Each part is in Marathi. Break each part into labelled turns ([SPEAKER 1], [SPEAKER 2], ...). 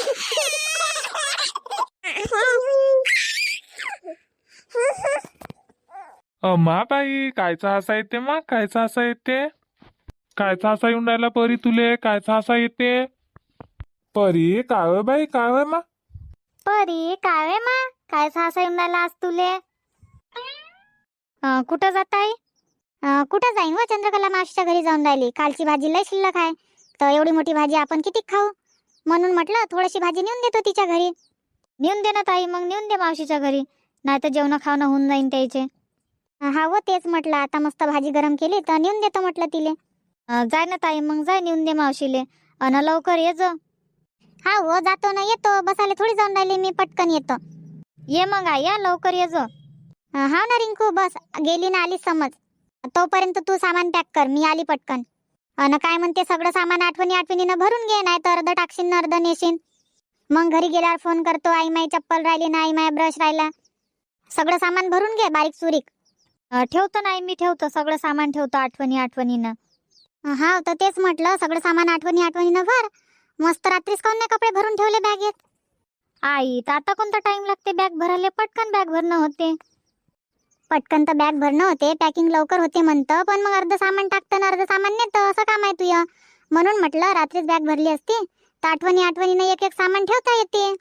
[SPEAKER 1] अम्मा बाई, कायचा हसा येते मग? कायचा हसा येते? कायचा हसा येऊन राहिला परी तुले? कायचा हसा येते? परी काय होय बाई, काय होय मा?
[SPEAKER 2] परी काय वे मा, कायचा हसा येऊन राहिला आज तुले? कुठं जात आहे? कुठं जाईन व चंद्रकला मावशीच्या घरी जाऊन राहिली. कालची भाजी लय शिल्लक आहे, तर एवढी मोठी भाजी आपण किती खाऊ, म्हणून म्हटलं थोडीशी भाजी नेऊन देतो तिच्या घरी. नेऊन दे ना ताई, मग नेऊन दे मावशीच्या घरी, नाही तर जेवण खावणं होऊन जाईन त्याचे. हा व तेच म्हटलं, आता मस्त भाजी गरम केली तर नेऊन देतो म्हटलं तिले. जाय ना ताई, मग जाय नेऊन दे मावशीले, अन लवकर ये जो. हा हो जातो ना, येतो, बसायला थोडी जाऊन राहिली मी, पटकन येतो. ये मग आई, या लवकर ये जो. हा ना रिंकू, बस गेली ना आली समज. तोपर्यंत तू सामान पॅक कर, मी आली पटकन. अन काय म्हणते, सगळं सामान आठवणीनं भरून घे, नाही तर अर्ध टाकशील अर्ध नेशील. मग घरी गेल्यावर फोन करतो, आई माई चप्पल राहिली ना, आई माय ब्रश राहिला. सगळं सामान भरून घे बारीक सुरीक. ठेवतो नाही, मी ठेवतो, सगळं सामान ठेवतो आठवणीनं. हा तर तेच म्हटलं, सगळं सामान आठवणीनं भर. मस्त रात्रीच काऊन नाही कपडे भरून ठेवले बॅगेत? आई तर आता कोणता टाइम लागते बॅग भरायला? पटकन बॅग भरणं होते. पटकन तर बॅग भरणं होते, पॅकिंग लवकर होते म्हणतं, पण मग अर्ध सामान टाकतं ना अर्ध सामान नेतं, असं काम आहे तुझं. म्हणून म्हटलं रात्रीच बॅग भरली असती तर आठवणीनं एक एक सामान ठेवता येते.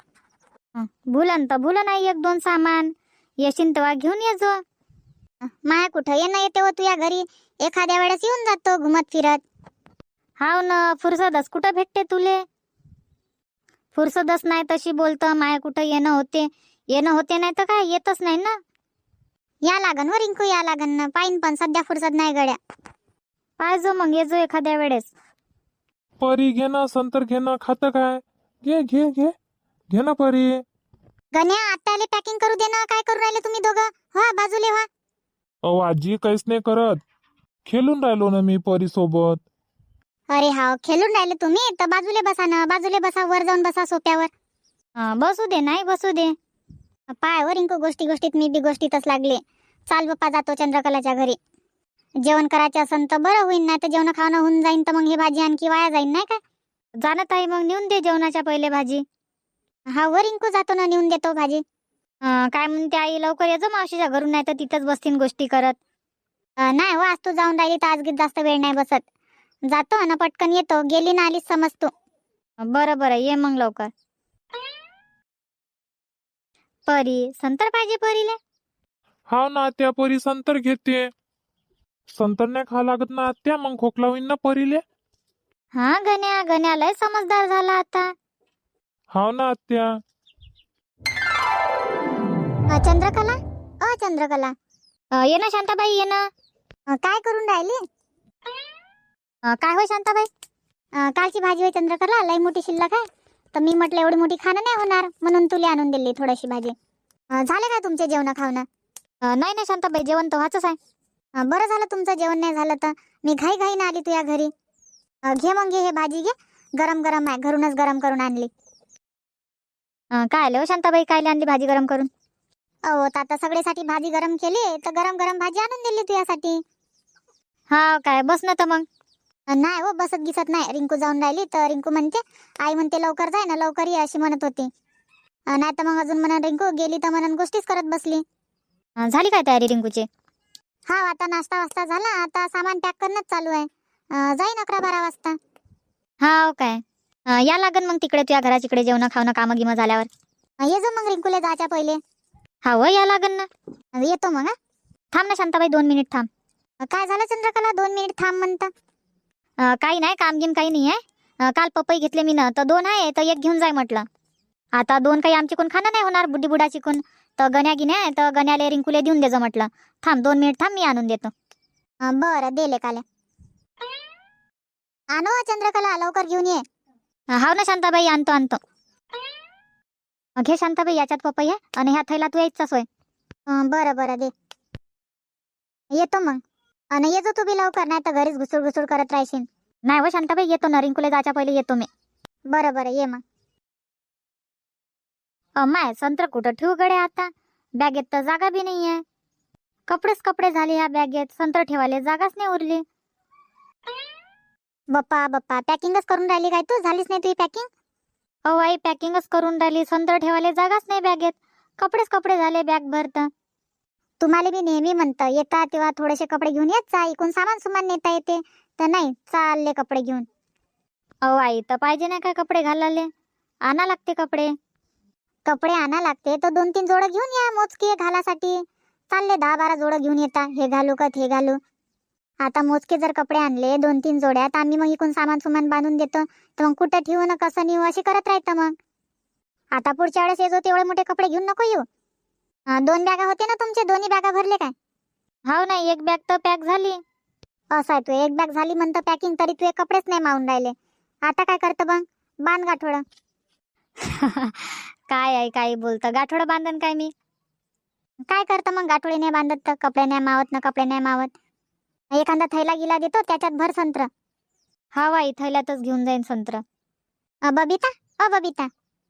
[SPEAKER 2] भुलन नाही एक दोन सामान, येशील तेव्हा घेऊन ये जो. माया कुठं येणं येते व तुझ्या घरी, एखाद्या वेळेस येऊन जातो घुमत फिरत. हाव ना, फुरसदच कुठं भेटते तुले? फुरसदच नाही तशी बोलतं, माया कुठं येणं होते नाही तर काय, येतच नाही ना. या लागन व रिंकू, या लागन ना, पाहिन, पण सध्या फुरसत नाही गड्या. पाहिजो मग, ये जो एखाद्या वेळेस.
[SPEAKER 1] परी घे ना, संतर घे ना, खातं काय? घे घे घे घे ना परी.
[SPEAKER 2] गण्या, आत्याले पॅकिंग करू दे ना, काय करू राहिले तुम्ही दोघं? व्हा बाजूले व्हा.
[SPEAKER 1] अहो आजी, काहीच नाही करत, खेळून राहिलो ना मी परी सोबत.
[SPEAKER 2] अरे हा, खेळून राहिले तुम्ही तर बाजूले बसा ना, बाजूले बसा, वर जाऊन बसा सोप्यावर. बसू दे, नाही बसू दे. पाय वर रिंकू, गोष्टीत मी बी गोष्टीतच लागले. चाल बाप्पा, जातो चंद्रकलाच्या घरी. जेवण करायचं असन तर बरं होईन, नाही तर जेवण खावणं होऊन जाईन तर मग ही भाजी आणखी वाया जाईन, नाही काय? जाणत आहे मग, नेऊन दे जेवणाच्या पहिले भाजी. हा वर रिंकू, जातो ना, नेऊन देतो भाजी. काय म्हणते आई, लवकर येजो मावशीच्या घरून, नाही तर तिथंच बसतीन गोष्टी करत. नाही हो, आज तू जाऊन राहिली तर आज जास्त वेळ नाही बसत. जातो ना पटकन येतो, गेली ना आलीच समजतो. बरं ये मग लवकर. परी संतर पाहिजे परीले.
[SPEAKER 1] हा ना आत्या, परी संतर घेते. संतर नाही खा लागत ना आत्या, मग खोकला होईन ना परीले.
[SPEAKER 2] हा गण्या लय समजदार झाला आता.
[SPEAKER 1] हाव ना आत्या.
[SPEAKER 2] चंद्रकला ये ना शांताबाई, ये ना. काय करून राहिली? काय होय शांताबाई? कालची भाजी होय चंद्रकला, लय मोठी शिल्लक आहे, तर मी म्हटलं एवढी मोठी खाणं नाही होणार, म्हणून तुला आणून दिली थोडीशी भाजी. झाले काय तुमचे जेवण खावणं? नाही ना शांताबाई, जेवण तर व्हायचंच आहे. बरं झालं तुमचं जेवण नाही झालं तर, मी घाईनं आली तुझ्या घरी. घे मग, घे हे भाजी, घे, गरम गरम आहे, घरूनच गरम करून आणली. काय आले हो शांताबाई, काय आणली भाजी गरम करून? अहो आता सगळ्यासाठी भाजी गरम केली, तर गरम गरम भाजी आणून दिली तुझ्यासाठी. हा काय, बस ना तर मग. नाही हो, बसत गिसत नाही. रिंकू जाऊन राहिली तर रिंकू म्हणते, आई म्हणते लवकर जाय ना, लवकर ये, अशी म्हणत होती. नाही तर मग अजून म्हणून रिंकू गेली तर म्हणून गोष्टीच करत बसली. झाली काय तयारी रिंकूची? हा, आता नाश्ता वास्ता झाला, आता सामान पॅक करणंच चालू आहे. जाईन 11-12 वाजता. हा काय, या लागन मग तिकडे तुझ्या घराचिकडे, जेवण खावणं कामं गिमं झाल्यावर. ये जो मग रिंकूला जायच्या पहिले. हा व, या लागन ना. येतो मग. थांब ना शांताबाई, 2 मिनिट थांब. काय झालं चंद्रकला, 2 मिनिट थांब म्हणता? काही नाही, काम गिम काही नाही आहे. काल पपई घेतले मी ना, तर 2 आहे, तर 1 घेऊन जाय म्हटलं. आता 2 काही आमची कोण खाणं नाही होणार, बुड्डी बुडाची कोण, तर गण्या गिन्या, तर गण्याले रिंकूले देऊन देजो म्हटलं. थांब 2 मिनिट थांब, मी आणून देतो. बरं, देले काले. आणो चंद्रकला, लवकर घेऊन ये. हाव ना शांताबाई, आणतो. घे शांताबाई, याच्यात पपई आहे, आणि ह्या थैला तू यायचा सोय. बरं दे. येतो मग. आणि येतो तू बी लवकर, नाही तर घरीच घुसूड करत राहशील. नाही हो शांताबाई, येतो ना, रिंकूला जायच्या पहिले येतो मी. बरं ये मग. माय संत्र कुठं ठेवू गडे आता, बॅगेत तर जागा बी नाही आहे. कपडे झाले ह्या बॅगेत, संत्र ठेवायला जागाच नाही उरली. बाप्पा पॅकिंगच करून राहिली काय तू? झालीच नाही तुझी पॅकिंग? अहो आई पॅकिंगच करून राहिली, संत्र ठेवायला जागाच नाही बॅगेत. कपडेच कपडे झाले बॅग भरत. तुम्हाला मी नेहमी म्हणतं येता तेव्हा थोडेसे कपडे घेऊन येत जा, इकून सामान सुमान नेता येते. तर नाही, चालले कपडे घेऊन. अहो आई तर पाहिजे नाही काय कपडे घालाले, आणा लागते कपडे. कपडे आणा लागते तर 2-3 जोडं घेऊन या मोजके घालासाठी. चालले 10-12 जोडं घेऊन येता, हे घालू का हे घालू. आता मोजके जर कपडे आणले 2-3 जोड्या, तर आम्ही मग इकून सामान सुमान बांधून देतो. तर मग कुठं ठेवू ना कसं नेऊ अशी करत राहतं मग. आता पुढच्या वेळेस येतो तेवढे मोठे कपडे घेऊन नको येऊ. 2 बॅगा होते ना तुमचे, दोन्ही बॅगा भरले काय? हो नाही, एक बॅग तर पॅक झाली. असं आहे, तू एक बॅग झाली म्हणतं पॅकिंग, तरी तू कपडेच नाही मावून राहिले. आता काय करतं मग? बांध गाठोडं. काय आहे काही बोलतं, गाठोडं बांधन काय मी? काय करतं मग गाठोडी नाही बांधत तर? कपडे नाही मावत ना, कपडे नाही मावत. एखादा थैला गिला देतो त्याच्यात भर संत्र. हा बाई, थैल्यातच घेऊन जाईन संत्र. बबिता, बबिता.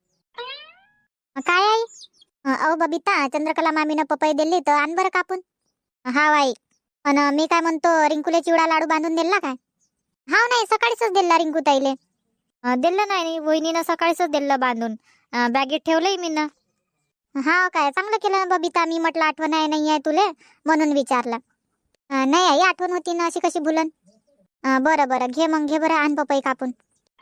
[SPEAKER 2] काय आई? बबिता, चंद्रकला मामीनं पपई दिली तर आण बरं कापून. हा बाई. आणि मी काय म्हणतो, रिंकूले चिवडा लाडू बांधून दिला काय? हा नाही, सकाळीच दिला रिंकू ताईले. दिलं नाही, वहिनीनं सकाळीच दिलं बांधून. बॅगेत ठेवलंय मी ना. हा काय, चांगलं केलं बबिता. मी म्हटलं आठवण आहे नाही आहे तुले, म्हणून विचारलं. नाही आई, आठवण होती ना, अशी कशी भुलन. बरं बरं, घे मग, घे बरं, आण पपई कापून.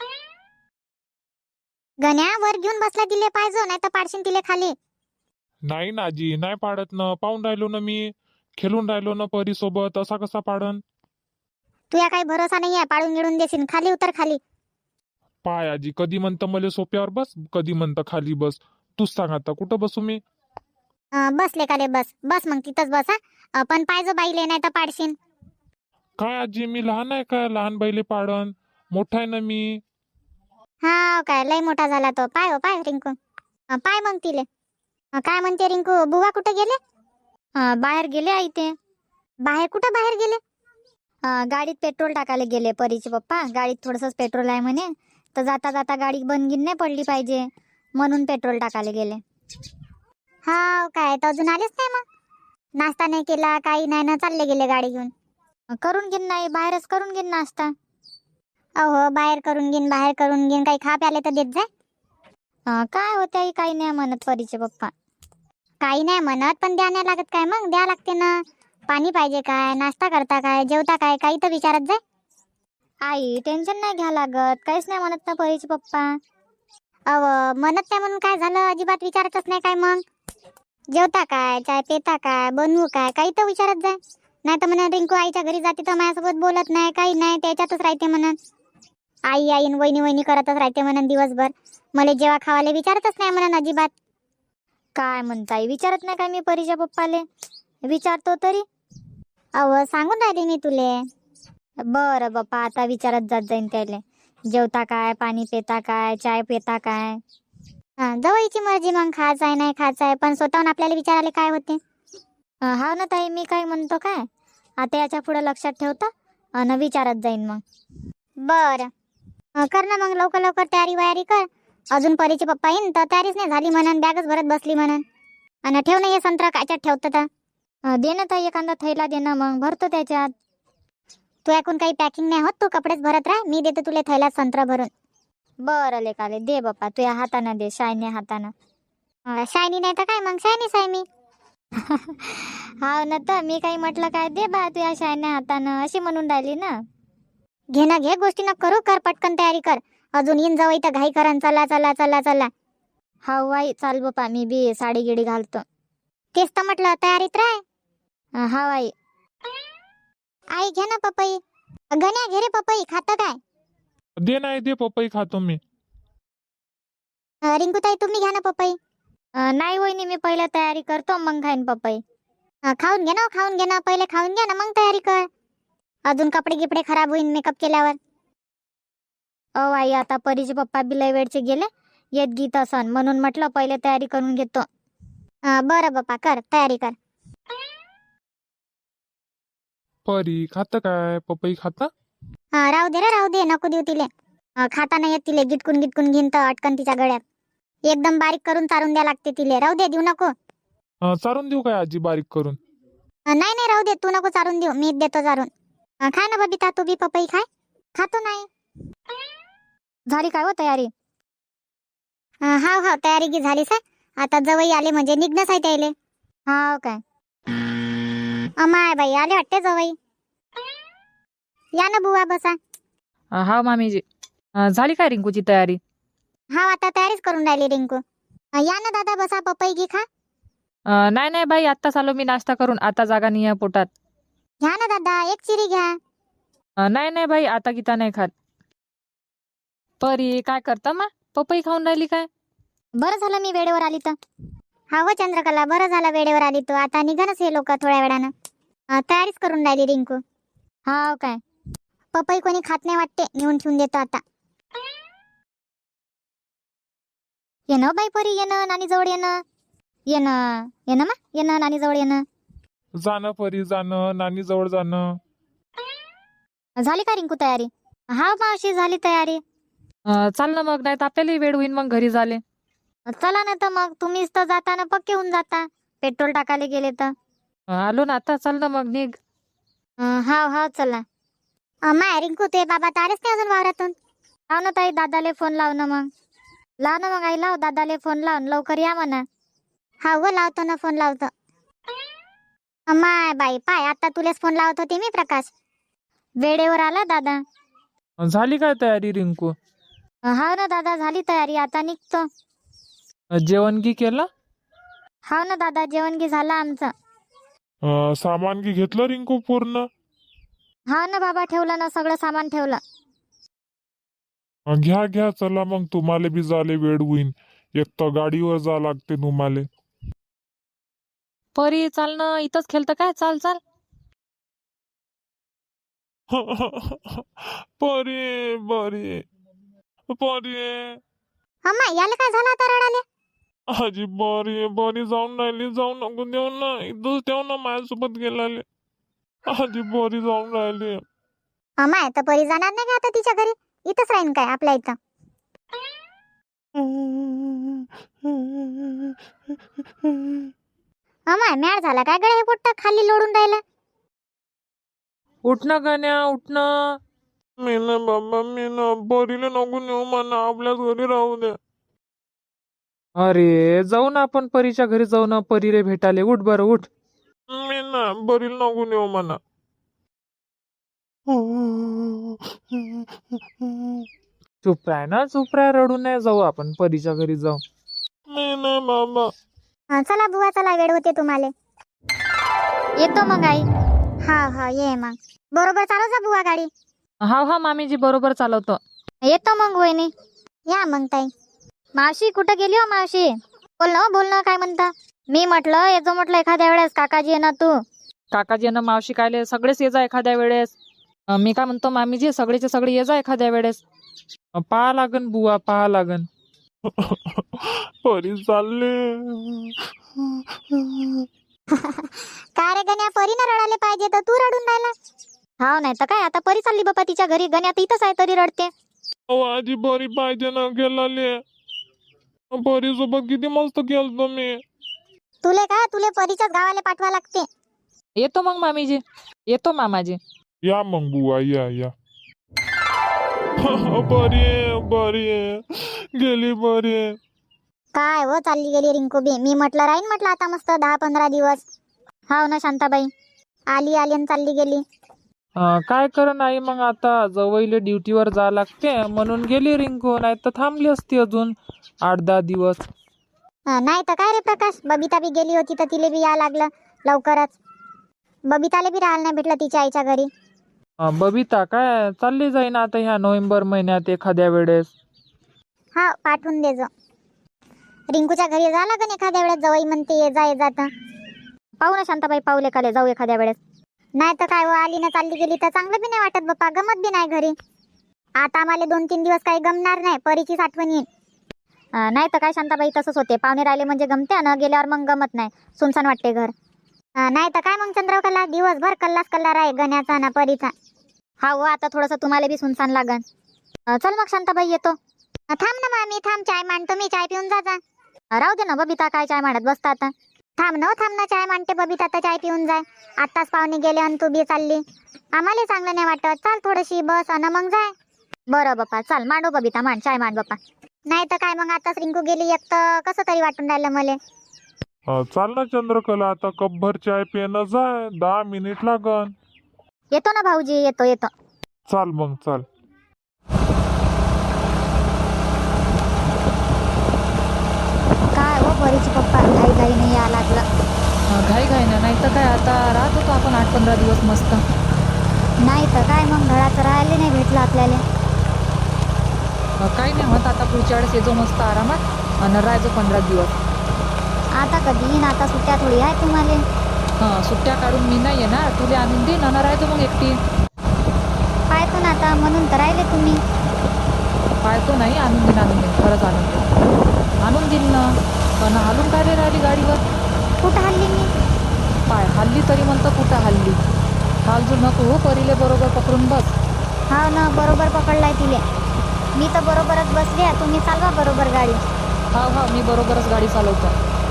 [SPEAKER 2] गण्या वर घेऊन बसला दिले पाहिजे, नाही तर पाडशीन तिले खाली.
[SPEAKER 1] नाही ना आजी, नाही पाडत ना, पाहून राहिलो ना मी, खेळून राहिलो ना परी सोबत, असा कसा पाडन.
[SPEAKER 2] तुया काही भरोसा नाही आहे, पाडून गिळून देशील. खाली उतर, खाली.
[SPEAKER 1] पाय आजी, कधी म्हणतं मला सोप्यावर बस, कधी म्हणतं खाली बस. तूच सांग आता कुठं बसू मी.
[SPEAKER 2] बसले काले, बस बस मग तिथंच बस. पण पाहिजे बाईले, नाही तर पाडशीन.
[SPEAKER 1] काय आजी, मी लहान आहे का लहान बाईले पाडन? मोठा आहे ना मी.
[SPEAKER 2] हा काय, लय मोठा झाला तो. पाय हो पाय रिंकू. पाय मग तिले. काय म्हणते रिंकू, बुवा कुठे गेले? बाहेर गेले आई ते. बाहेर कुठं बाहेर गेले? गाडीत पेट्रोल टाकायला गेले परीचे पप्पा. गाडीत थोडंसंच पेट्रोल आहे म्हणे, तर जाता जाता गाडी बंद गिन नाही पडली पाहिजे, म्हणून पेट्रोल टाकायला गेले. हा काय, तर अजून आलेच नाही मग? नाश्ता नाही केला, काही नाही ना, चालले गेले गाडी घेऊन. करून घेईन नाही, बाहेरच करून घेईन नाश्ता. अहो बाहेर करून घेईन, बाहेर करून घेईन, काही खा प्याले तर देत जाय. काय होते आई, काही नाही म्हणत परीचे पप्पा. काही नाही म्हणत, पण द्या नाही लागत काय? मग द्या लागते ना. पाणी पाहिजे काय, नाश्ता करता काय, जेवता काय, काही तर विचारत जाय. आई टेन्शन नाही घ्या लागत, काहीच नाही म्हणत ना परीचे पप्पा. अव म्हणत नाही म्हणून काय झालं, अजिबात विचारतच नाही काय मग? जेवता काय, चाय पेता काय, बनवू काय, काही तर विचारत जाय. नाही तर म्हणा रिंकू आईच्या घरी जाते तर माझ्यासोबत बोलत नाही, काही नाही, त्याच्यातच राहते म्हणत. आई आई वहिनी वहिनी करतच राहते म्हणून दिवसभर. मला जेव्हा खावाले विचारतच नाही म्हणून अजिबात. काय म्हणताय, विचारत नाही काय मी परीच्या पप्पाले? विचारतो तरी. अव सांगून राहिले मी तुले. बरं बाप्पा, आता विचारत जात जाईन त्याले. जेवता काय, पाणी पेता काय, चाय पेता काय. जवळची मर्जी मग, खायचं आहे नाही खायचं आहे, पण स्वतःहून आपल्याला विचारायला काय होते. हा ना ताई, मी काय म्हणतो काय, आता याच्या पुढे लक्षात ठेवता आणि विचारत जाईन मग. बरं. कर ना मग, लवकर लवकर तयारी वयारी कर. अजून परीचे पप्पा येईन तर तयारीच नाही झाली म्हणून, बॅगच भरत बसली म्हणून. आणि ठेव ना हे संत्रा, कायच्यात ठेवतं तर. दे ना ताई, एखादा थैला दे ना, मग भरतो त्याच्यात. तू ऐकून काही पॅकिंग नाही होत, तू कपडेच भरत राह, मी देतो तुला थैल्यात संत्रा भरून. बरं लेकाले, दे बाप्पा, तुझ्या हातानं दे, शायनी हातानं. शायनी नाही तर काय मग, शायनीच आहे मी. हा ना, तर मी काही म्हटलं काय, दे बा तुझ्या शायन्या हातानं, अशी म्हणून राहिली ना. घे ना घे, गोष्टी न करू, कर पटकन तयारी कर. अजून येईन जाऊ इथं घाई करन, चला चला चला चला. हा आई, चाल बापा, मी बी साडी गिडी घालतो. तेच तर म्हटलं, तयारीत राह. हा आई. आई घे ना पपई. गण्या घे रे पपई, खातं काय?
[SPEAKER 1] दे नाही, दे पपई खातो मी.
[SPEAKER 2] रिंकूताई तुम्ही घ्या ना पपई. नाही वहिनी, मी पहिले तयारी करतो, मग खाईन पपई. खाऊन घे ना, खाऊन घे ना, पहिले खाऊन घ्या ना, मग तयारी कर. अजून कपडे गिपडे खराब होईन मेकअप केल्यावर. ओ आई, आता परीचे पप्पा बी लय वेळचे गेले, येत गीत असन, म्हणून म्हटलं पहिले तयारी करून घेतो. बरं बाप्पा, कर तयारी कर.
[SPEAKER 1] परी खातं काय, पपई खाता?
[SPEAKER 2] राहू दे रे, राहू दे, नको देऊ तिले. खाता नाही येत तिले, गिटकून गिटकून घेईन तर अटकन तिच्या गळ्यात. एकदम बारीक करून चारून द्या लागते तिले, राहू दे, देऊ नको.
[SPEAKER 1] चारून देऊ काय आजी बारीक करून?
[SPEAKER 2] नाही नाही, राहू दे, तू नको चारून देऊ, मी देतो चारून. खा ना बबिता, तू बी पपई खाय. खातो नाही. झाली काय हो तयारी? हाव हाव तयारी की झालीस आहे. आता जवळ आले म्हणजे निघणंच आहे त्याले. हाव काय अमाय बाई आले वाटते जवळ. या ना बुवा बसा.
[SPEAKER 3] हा मामीजी. झाली काय रिंकूची तयारी?
[SPEAKER 2] हाव आता तयारीच करून राहिली रिंकू. या ना दादा बसा पपई घे खा.
[SPEAKER 3] नाही नाही बाई, आत्ताच आलो मी नाश्ता करून. आता जागा नाही आहे पोटात.
[SPEAKER 2] घ्या ना दादा एक चिरी घ्या.
[SPEAKER 3] नाही नाही बाई, आता गीता नाही खात. परी काय करता मा? पपई खाऊन राहिली काय?
[SPEAKER 2] बरं झालं मी वेळेवर आली तर. हा व चंद्रकला बरं झालं वेळेवर आली तू. आता निघणच हे लोक थोड्या वेळानं. तयारीच करून राहिली रिंकू. हाव काय पपई कोणी खात नाही वाटते, नेऊन ठेवून देतो आता. ये ना बाई परी, ये ना नानी जवळ, ये ना ये ना ये ना मा, ये ना नानी जवळ, ये ना.
[SPEAKER 1] जाणं परी जाणं, नानी जवळ जाणं.
[SPEAKER 2] झाली का रिंकू तयारी? हा मावशी झाली तयारी.
[SPEAKER 3] चाल ना मग, नाही तर आपल्यालाही वेळ होईन मग घरी झाले.
[SPEAKER 2] चला ना तर मग, तुम्हीच तर जाताना पक्के होऊन जाता पेट्रोल टाकायला गेले तर.
[SPEAKER 3] आलो ना आता, चाल ना मग निघ.
[SPEAKER 2] हाव हाव चला. माय रिंकू ते बाबा तर आलेच नाही अजून वावरातून. लाव ना ताई दादाले फोन लाव ना मग. लाव ना मग आई, लाव दादाले फोन लावून लवकर या म्हणा. हा व लावतो ना फोन लावतो. माय बाई पाय, आता तुलेच फोन लावत होते मी प्रकाश. वेळेवर आला दादा.
[SPEAKER 1] झाली काय तयारी रिंकू?
[SPEAKER 2] हाव ना दादा झाली तयारी, आता निघतो.
[SPEAKER 1] जेवण की केलं?
[SPEAKER 2] हाव ना दादा जेवण की झालं आमचं.
[SPEAKER 1] सामान की घेतलं रिंकू पूर्ण?
[SPEAKER 2] हाव ना बाबा ठेवलं ना, सगळं सामान ठेवलं.
[SPEAKER 1] घ्या घ्या चला मग, तुम्हाला बी झाले वेळ होईन. एक तर गाडीवर जा लागते तुम्हाला.
[SPEAKER 3] परी चाल ना, इथंच खेळतं काय? चाल चाल.
[SPEAKER 1] परी परी परी
[SPEAKER 2] अम्मा याला काय झालं आता रडाले?
[SPEAKER 1] आजी बरी बरी जाऊन राहिली, जाऊ नको देऊ ना, इथंच ठेव ना माझ्यासोबत गेलाले. आजी बरी जाऊन राहिली.
[SPEAKER 2] अम्मा तर परी जाणार नाही का आता तिच्या घरी? इथंच राहीन काय आपल्या इथं? अम्मा मॅड झाला काय गड्या, हे पोट्ट खाली लोडून राहिला.
[SPEAKER 3] उठणं गण्या, उठणं.
[SPEAKER 1] मी ना बाबा, मी ना बरीला नको नेऊ म्हणा, आपल्याच घरी राहू दे.
[SPEAKER 3] अरे जाऊ ना आपण परीच्या घरी, जाऊ ना परीले भेटाले. उठ बरं उठ.
[SPEAKER 1] मी ना बरीला नको नेऊ म्हणा.
[SPEAKER 3] चुप राह ना, चुप राह, रडू नये. जाऊ आपण परीच्या घरी जाऊ.
[SPEAKER 1] मी ना बाबा.
[SPEAKER 2] चला बुवा चला, वेळ होते तुम्हाला. येतो मग आई. हा हा ये मग. बरोबर चालव जा बुवा गाडी.
[SPEAKER 3] हा हा मामीजी बरोबर चालवतो.
[SPEAKER 2] येतो मग वहिनी. या मग ताई. मावशी कुठं गेली हो मावशी? बोल ना काय म्हणता? मी म्हटलं येतो म्हटलं एखाद्या वेळेस, काकाजी आहे ना तू.
[SPEAKER 3] काकाजी ना मावशी कायले सगळेच ये जा एखाद्या वेळेस. मी काय म्हणतो मामीजी, सगळेचे सगळे ये जा एखाद्या वेळेस. पाहा लागन बुवा, पाहा लागन.
[SPEAKER 1] परी चालले.
[SPEAKER 2] काय रे गण्या, परी न रडायला पाहिजे तर तू रडून राहिला. हाव नाही तर काय, आता परी चालली बापा तिच्या घरी. गण्या तर इथंच आहे तरी रडते.
[SPEAKER 1] अहो आजी बरी पाहिजे ना गेलाले. परी सोबत किती मस्त खेळतो मी.
[SPEAKER 2] तुले परीच्याच गावाला पाठवा लागते.
[SPEAKER 3] येतो मग मामीजी, येतो मामाजी.
[SPEAKER 1] या मग बुवा, या. बरी बरी गेली बरी.
[SPEAKER 2] काय हो चालली गेली रिंकू बी. मी म्हटलं राहीन म्हटलं आता मस्त 10-15 दिवस. हाव ना शांताबाई, आली आणि चालली गेली.
[SPEAKER 3] काय कर नाही मग, आता जवळले ड्युटीवर जा लागते म्हणून गेली रिंकू, नाही तर थांबली असती अजून 8-10 दिवस.
[SPEAKER 2] नाही तर काय रे प्रकाश, बबिता बी गेली होती तर तिले बी या लागलं लवकरच. बबिताले बी राहायला नाही भेटलं तिच्या आईच्या घरी.
[SPEAKER 3] बबिता काय चालली जाईन आता ह्या नोव्हेंबर महिन्यात एखाद्या वेळेस.
[SPEAKER 2] हा पाठवून दे जो. रिंकूच्या घरी जा लागन एखाद्या वेळेस, जवळ म्हणते ये जा तर. पाहू ना शांताबाई, पाहू लेखाले जाऊ एखाद्या वेळेस. नाही तर काय, आली ना चालली गेली तर चांगलं बी नाही वाटत बाप्पा, गमत बी नाही घरी. आता आम्हाला 2-3 दिवस काही गमणार नाही, परीचीच आठवण येईल. नाही तर काय शांताबाई, तसंच होते. पाहुणे राहिले म्हणजे गमते ना, गेल्यावर मग गमत नाही, सुनसान वाटते घर. नाही तर काय मग चंद्रकला, दिवसभर कल्लाच आहे गण्याचा ना परीचा. हा हो, आता थोडंसं तुम्हाला बी सुनसान लागन. चल मग शांताबाई येतो. थांब ना मामी, थांब, चाय मांडतो मी, चाय पिऊन जा. राहू दे ना बबिता, काय चाय मांडत बसता आता. थांब ना चाय मांडते बबिता, तर चाय पिऊन जाय. आत्ताच पाहुणे गेले आणि तू बी चालली, आम्हाला चांगलं नाही वाटत. चाल थोडीशी बस अन मग जाय. बरं बाप्पा, चाल मांडो बबिता, मांड चाय मांड बाप्पा. नाही तर काय मग आताच रिंकू गेली एक तर कसं तरी वाटून राहिलं मला.
[SPEAKER 1] चाल ना चंद्रकला, आता कपभर चाय पिणं जाय, 10 मिनिट लागन.
[SPEAKER 2] येतो ना भाऊजी, येतो येतो.
[SPEAKER 1] चाल मग चाल.
[SPEAKER 2] काय हो परीचे पप्पा घाई घाई नाही या लागलं.
[SPEAKER 3] घाई घाई ना, नाही तर काय, आता राहत होतो आपण 8-15 दिवस मस्त.
[SPEAKER 2] नाही तर काय मग घराचं राहायला नाही भेटलं आपल्याला.
[SPEAKER 3] काही नाही होत, आता पुढच्या वेळेस येतो मस्त आरामात आणि राहायचो 15 दिवस.
[SPEAKER 2] आता कधी येईन, आता सुट्ट्या थोडी आहे तुम्हाला.
[SPEAKER 3] सुट्ट्या काढून मी नाही येणार, तुला आणून देईन आणि राहायचो मग एकटी.
[SPEAKER 2] पाहतो ना आता, म्हणून तर राहिले तुम्ही.
[SPEAKER 3] पाहतो नाही, आणून देईन खरंच आणून देईन ना. पण हालून काय रे राहिली गाडीवर?
[SPEAKER 2] कुठं हल्ली मी?
[SPEAKER 3] पाय हल्ली तरी म्हणतं कुठं हल्ली? हालजू नको हो, परीले बरोबर पकडून बस.
[SPEAKER 2] हा ना, बरोबर पकडलाय तिले. मी तर बरोबरच बसली आहे, तुम्ही चालवा बरोबर गाडी.
[SPEAKER 3] हा मी बरोबरच गाडी चालवतो.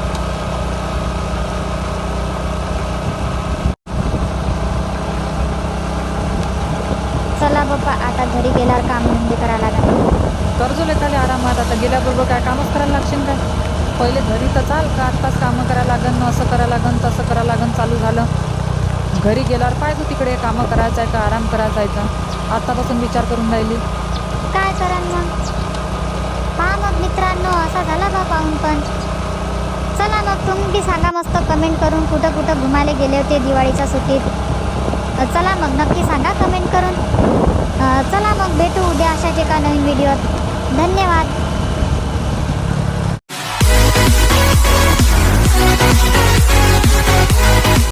[SPEAKER 2] चला बाप्पा, आता घरी गेल्यावर काम धंदे करायला लागेल.
[SPEAKER 3] कर्जो लेताले आरामात, आता गेल्याबरोबर काय कामच करायला लागशील काय? पहिले घरी तर चाल का, आत्ताच कामं करायला लागन, असं करायला लागन तसं करायला लागन चालू झालं. घरी गेल्यावर पाहिजे तिकडे कामं करायचं आहे का आराम करायचा आहे का, आत्तापासून विचार करून राहिली.
[SPEAKER 2] काय करा मग? पहा मग मित्रांनो, असा झाला बा पाहून. पण चला मग तुम्ही बी सांगा मस्त कमेंट करून, कुठं कुठं घुमायला गेले होते दिवाळीच्या सुट्टीत. चला मग नक्की सांगा कमेंट करून. चला मग भेटू उद्या अशाच एका नवीन व्हिडिओत. धन्यवाद.